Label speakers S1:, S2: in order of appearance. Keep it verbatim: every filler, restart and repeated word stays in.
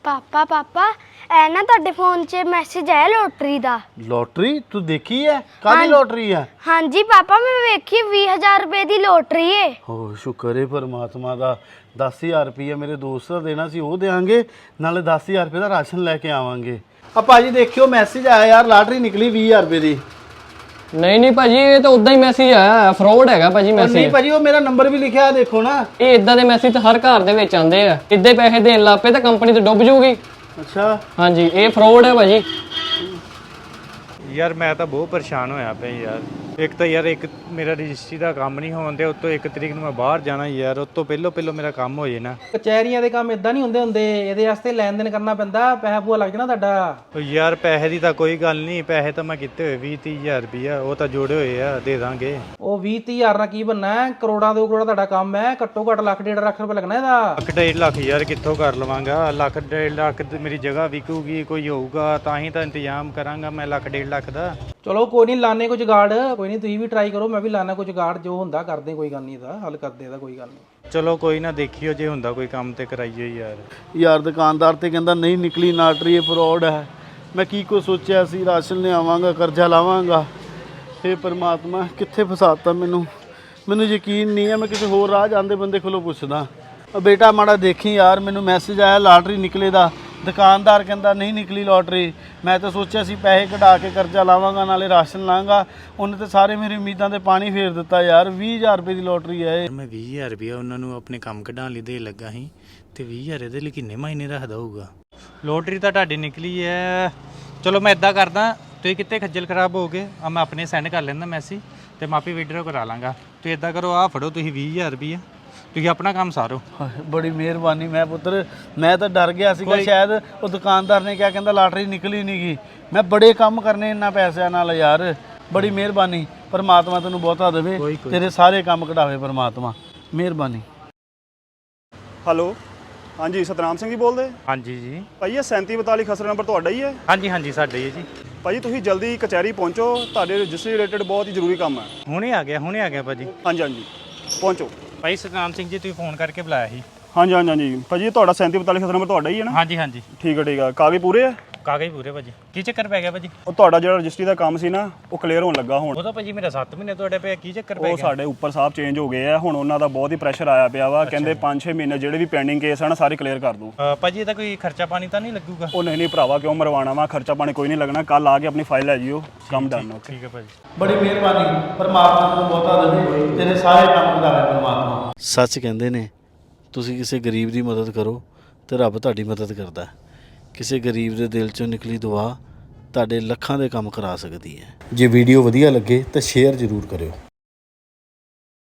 S1: पापा पापा ए ना तुहाडे फोन च मैसेज आया लॉटरी दा।
S2: लॉटरी तू देखी है? कादी लॉटरी है?
S1: हाँ जी पापा मैं वेखी बीस हजार रुपए दी लॉटरी है।
S2: हो शुक्र है परमात्मा दा। दस हज़ार रुपये मेरे दोस्त का देना सी, वो देंगे नाले दस हज़ार रुपये का राशन लैके आवांगे। अब भाजी देखियो मैसेज आया यार, लॉटरी निकली बीस हज़ार रुपये की।
S3: नहीं नहीं भाजी ये तो उदा ही मैसेज आया, फ्रॉड है भाजी मैसेज।
S2: नहीं भाजी वो मेरा नंबर भी लिखा है देखो ना।
S3: ये इदा के मैसेज तो हर घर ਦੇ ਵਿੱਚ ਆਉਂਦੇ ਆ। ਇੱਦੇ ਪੈਸੇ ਦੇਣ ਲੱਗ ਪਏ ਤਾਂ ਕੰਪਨੀ ਤੇ ਡੁੱਬ ਜੂਗੀ।
S2: ਅੱਛਾ
S3: ਹਾਂਜੀ ਇਹ ਫਰਾਡ ਹੈ ਭਾਜੀ।
S4: यार मैं तो बहुत परेशान होया पे यार। एक तो यार एक मेरा रजिस्ट्री का काम नहीं होने उत्तों एक तरीक ਨੂੰ ਮੈਂ ਬਾਹਰ ਜਾਣਾ ਯਾਰ, ਉਤੋਂ ਪਹਿਲੋਂ ਪਹਿਲੋਂ ਮੇਰਾ ਕੰਮ ਹੋ ਜੇ ਨਾ।
S5: ਕਚਹਿਰੀਆਂ ਦੇ ਕੰਮ ਇਦਾਂ ਨਹੀਂ ਹੁੰਦੇ ਹੁੰਦੇ, ਇਹਦੇ ਵਾਸਤੇ ਲੈਣ ਦੇਣ ਕਰਨਾ ਪੈਂਦਾ, ਪੈਸਾ ਪੂਆ ਲੱਗ ਜਾਣਾ ਤੁਹਾਡਾ।
S4: ਉਹ ਯਾਰ ਪੈਸੇ ਦੀ ਤਾਂ ਕੋਈ ਗੱਲ ਨਹੀਂ, ਪੈਸੇ ਤਾਂ ਮੈਂ ਕਿਤੇ ਹੋਏ ਵੀਹ ਤੀਹ ਹਜ਼ਾਰ ਰੁਪਈਆ, ਉਹ ਤਾਂ ਜੋੜੇ ਹੋਏ ਆ, ਦੇ ਦਾਂਗੇ।
S5: ਉਹ ਵੀਹ ਤੀਹ ਹਜ਼ਾਰ ਨਾਲ ਕੀ ਬਣਨਾ ਹੈ? ਕਰੋੜਾਂ ਦੋ ਕਰੋੜਾਂ ਤੁਹਾਡਾ ਕੰਮ ਹੈ, ਘੱਟੋ ਘੱਟ ਲੱਖ ਡੇਢ ਲੱਖ ਰੁਪਏ ਲੱਗਣਾ ਇਹਦਾ।
S4: ਲੱਖ ਡੇਢ ਲੱਖ ਯਾਰ ਕਿੱਥੋਂ ਕਰ ਲਵਾਂਗਾ? ਲੱਖ ਡੇਢ ਲੱਖ ਤੇ ਮੇਰੀ ਜਗ੍ਹਾ ਵਿਕੂਗੀ, ਕੋਈ ਹੋਊਗਾ ਤਾਂ ਹੀ ਤਾਂ ਇੰਤਜ਼ਾਮ ਕਰਾਂਗਾ ਮੈਂ ਲੱਖ ਡੇਢ ਲੱਖ ਦਾ।
S5: ਚਲੋ ਕੋਈ ਨਹੀਂ, ਲਾਣੇ ਕੋਈ ਜੁਗਾੜ, ਕੋਈ ਨਹੀਂ ਤੁਸੀਂ ਵੀ ਟਰਾਈ ਕਰੋ, ਮੈਂ ਵੀ ਲਾਣਾ ਕੋਈ ਜੁਗਾੜ, ਜੋ ਹੁੰਦਾ ਕਰਦੇ, ਕੋਈ ਗੱਲ ਨਹੀਂ, ਇਹਦਾ ਹੱਲ ਕਰਦੇ, ਇਹਦਾ ਕੋਈ ਗੱਲ ਨਹੀਂ।
S4: ਚਲੋ ਕੋਈ ਨਾ ਦੇਖਿਓ, ਜੇ ਹੁੰਦਾ ਕੋਈ ਕੰਮ ਤੇ ਕਰਾਈਓ ਯਾਰ।
S2: ਯਾਰ ਦੁਕਾਨਦਾਰ ਤੇ ਕਹਿੰਦਾ ਨਹੀਂ ਨਿਕਲੀ ਲॉटरी, ਇਹ ਫਰਾਡ ਹੈ। ਮੈਂ ਕੀ ਕੋ ਸੋਚਿਆ ਸੀ ਰਾਸ਼ਨ ਲਿਆਵਾਂਗਾ, ਕਰਜ਼ਾ ਲਾਵਾਂਗਾ। ਇਹ ਪਰਮਾਤਮਾ ਕਿੱਥੇ ਫਸਾਤਾ ਮੈਨੂੰ। ਮੈਨੂੰ ਯਕੀਨ ਨਹੀਂ ਹੈ, ਮੈਂ ਕਿਸੇ ਹੋਰ ਰਾਹ ਜਾਂਦੇ ਬੰਦੇ ਕੋਲੋਂ ਪੁੱਛਦਾ। ਬੇਟਾ ਮਾੜਾ ਦੇਖੀ ਯਾਰ, ਮੈਨੂੰ ਮੈਸੇਜ ਆਇਆ ਲॉटरी ਨਿਕਲੇ ਦਾ। ਦੁਕਾਨਦਾਰ ਕਹਿੰਦਾ ਨਹੀਂ ਨਿਕਲੀ ਲॉटरी। ਮੈਂ ਤਾਂ ਸੋਚਿਆ ਸੀ ਪੈਸੇ ਕਢਾ ਕੇ ਕਰਜ਼ਾ ਲਾਵਾਂਗਾ, ਨਾਲੇ ਰਾਸ਼ਨ ਲਾਂਗਾ। ਉਹਨੇ ਤਾਂ ਸਾਰੇ ਮੇਰੀ ਉਮੀਦਾਂ ਤੇ ਪਾਣੀ ਫੇਰ ਦਿੱਤਾ ਯਾਰ। ਵੀਹ ਹਜ਼ਾਰ ਰੁਪਏ ਦੀ ਲॉटरी ਹੈ।
S4: ਮੈਂ ਵੀਹ ਹਜ਼ਾਰ ਰੁਪਇਆ ਉਹਨਾਂ ਨੂੰ ਆਪਣੇ ਕੰਮ ਕਢਾਉਣ ਲਈ ਦੇ ਲੱਗਾ ਸੀ, ਤੇ ਵੀਹ ਹਜ਼ਾਰ ਇਹਦੇ ਲਈ ਕਿੰਨੇ ਮਹੀਨੇ ਰੱਖਦਾ ਹੋਊਗਾ। ਲੋਟਰੀ ਤਾਂ ਤੁਹਾਡੀ ਨਿਕਲੀ ਹੈ। ਚਲੋ ਮੈਂ ਇੱਦਾਂ ਕਰਦਾ, ਤੁਸੀਂ ਕਿਤੇ ਖੱਜਲ ਖਰਾਬ ਹੋ ਗਏ ਆ, ਮੈਂ ਆਪਣੇ ਸੈਂਡ ਕਰ ਲੈਂਦਾ ਮੈਸੇਜ, ਤੇ ਮਾਪੀ ਵਿਡਰੋ ਕਰਾ ਲਾਂਗਾ। ਤੁਸੀਂ ਇੱਦਾਂ ਕਰੋ, ਆਹ ਫੜੋ ਤੁਸੀਂ ਵੀਹ ਹਜ਼ਾਰ ਰੁਪਈਆ, ਤੁਸੀਂ ਆਪਣਾ ਕੰਮ ਸਾਰੋ।
S2: ਬੜੀ ਮਿਹਰਬਾਨੀ। ਮੈਂ ਪੁੱਤਰ ਮੈਂ ਤਾਂ ਡਰ ਗਿਆ ਸੀਗਾ ਸ਼ਾਇਦ ਉਹ ਦੁਕਾਨਦਾਰ ਨੇ ਕਿਹਾ ਕਹਿੰਦਾ ਲॉटरी ਨਿਕਲੀ ਨਹੀਂ ਗਈ। ਮੈਂ ਬੜੇ ਕੰਮ ਕਰਨੇ ਇਹਨਾਂ ਪੈਸਿਆਂ ਨਾਲ ਯਾਰ। ਬੜੀ ਮਿਹਰਬਾਨੀ, ਪਰਮਾਤਮਾ ਤੈਨੂੰ ਬਹੁਤਾ ਦੇਵੇ, ਤੇਰੇ ਸਾਰੇ ਕੰਮ ਕਢਾਵੇ ਪਰਮਾਤਮਾ। ਮਿਹਰਬਾਨੀ।
S6: ਹੈਲੋ ਹਾਂਜੀ ਸਤਨਾਮ ਸਿੰਘ ਜੀ ਬੋਲਦੇ?
S4: ਹਾਂਜੀ ਜੀ
S6: ਭਾਈ ਇਹ ਸੈਂਤੀ ਬਤਾਲੀ ਖਸਰਾ ਨੰਬਰ ਤੁਹਾਡਾ ਹੀ ਹੈ?
S4: ਹਾਂਜੀ ਹਾਂਜੀ ਸਾਡੇ ਹੀ ਹੈ ਜੀ।
S6: ਭਾਜੀ ਤੁਸੀਂ ਜਲਦੀ ਕਚਹਿਰੀ ਪਹੁੰਚੋ, ਤੁਹਾਡੇ ਰਜਿਸਟਰੀ ਰਿਲੇਟਡ ਬਹੁਤ ਹੀ ਜ਼ਰੂਰੀ ਕੰਮ ਹੈ।
S4: ਹੁਣੇ ਆ ਗਿਆ ਹੁਣੇ ਆ ਗਿਆ ਭਾਜੀ।
S6: ਹਾਂਜੀ ਹਾਂਜੀ ਪਹੁੰਚੋ।
S4: ਭਾਈ ਸਤਨਾਮ ਸਿੰਘ ਜੀ ਤੁਸੀਂ ਫੋਨ ਕਰਕੇ ਬੁਲਾਇਆ ਸੀ?
S6: ਹਾਂਜੀ ਹਾਂਜੀ ਹਾਂਜੀ ਭਾਜੀ ਤੁਹਾਡਾ ਸੈਂਤੀ ਬਤਾਲੀ ਖਸਰਾ ਨੰਬਰ ਤੁਹਾਡਾ ਹੀ ਹੈ ਨਾ?
S4: ਹਾਂਜੀ ਹਾਂਜੀ
S6: ਠੀਕ ਹੈ ਠੀਕ ਹੈ। ਕਾਗਜ਼ ਪੂਰੇ ਹੈ?
S4: ਕਾਗਜ਼ ਪੂਰੇ ਭਾਜੀ। ਕੀ ਚੱਕਰ ਪੈ ਗਿਆ ਭਾਜੀ?
S6: ਉਹ ਤੁਹਾਡਾ ਜਿਹੜਾ ਰਜਿਸਟਰੀ ਦਾ ਕੰਮ ਸੀ ਨਾ, ਉਹ ਕਲੀਅਰ ਹੋਣ ਲੱਗਾ ਹੁਣ।
S4: ਉਹ ਤਾਂ ਭਾਜੀ ਮੇਰਾ ਸੱਤ ਮਹੀਨੇ ਤੁਹਾਡੇ ਪਿਆ, ਕੀ ਚੱਕਰ ਪੈ
S6: ਉਹ
S4: ਗਿਆ?
S6: ਸਾਡੇ ਉੱਪਰ ਸਾਹਿਬ ਚੇਂਜ ਹੋ ਗਏ ਆ ਹੁਣ, ਉਹਨਾਂ ਦਾ ਬਹੁਤ ਹੀ ਪ੍ਰੈਸ਼ਰ ਆਇਆ ਪਿਆ ਵਾ। ਕਹਿੰਦੇ ਪੰਜ ਛੇ ਮਹੀਨੇ ਜਿਹੜੇ ਵੀ ਪੈਂਡਿੰਗ ਕੇਸ ਹਨ ਸਾਰੇ ਕਲੀਅਰ ਕਰ ਦੂੰ।
S4: ਭਾਜੀ ਇਹਦਾ ਕੋਈ ਖਰਚਾ ਪਾਣੀ ਤਾਂ ਨਹੀਂ ਲੱਗੂਗਾ?
S6: ਉਹ ਨਹੀਂ ਨਹੀਂ ਭਰਾਵਾ, ਕਿਉਂ ਮਰਵਾਣਾ ਵਾ? ਖਰਚਾ ਪਾਣੀ ਕੋਈ ਨਹੀਂ ਲੱਗਣਾ। ਕੱਲ ਆ ਕੇ ਆਪਣੀ ਫਾਈਲ ਲੈ ਜਿਓ, ਕੰਮ ਡਨ। ਓਕੇ
S4: ਠੀਕ ਹੈ ਭਾਜੀ।
S2: ਬੜੀ ਮਿਹਰਬਾਨੀ, ਪਰਮਾਤਮਾ ਤੈਨੂੰ ਬਹੁਤਾ ਦੇਵੇ, ਤੇਰੇ ਸਾਰੇ ਕੰਮ ਕਢਾਵੇ ਪਰਮਾਤਮਾ। ਸੱਚ ਕਹਿੰਦੇ ਨੇ ਤੁਸੀਂ ਕਿਸੇ ਗਰੀਬ ਦੀ ਮਦਦ ਕਰੋ ਤੇ ਰੱਬ ਤੁਹਾਡੀ ਮਦਦ ਕਰਦਾ। ਕਿਸੇ ਗਰੀਬ ਦੇ ਦਿਲ ਚੋਂ ਨਿਕਲੀ ਦੁਆ ਤੁਹਾਡੇ ਲੱਖਾਂ ਦੇ ਕੰਮ ਕਰਾ ਸਕਦੀ ਹੈ। ਜੇ ਵੀਡੀਓ ਵਧੀਆ ਲੱਗੇ ਤਾਂ ਸ਼ੇਅਰ ਜ਼ਰੂਰ ਕਰਿਓ।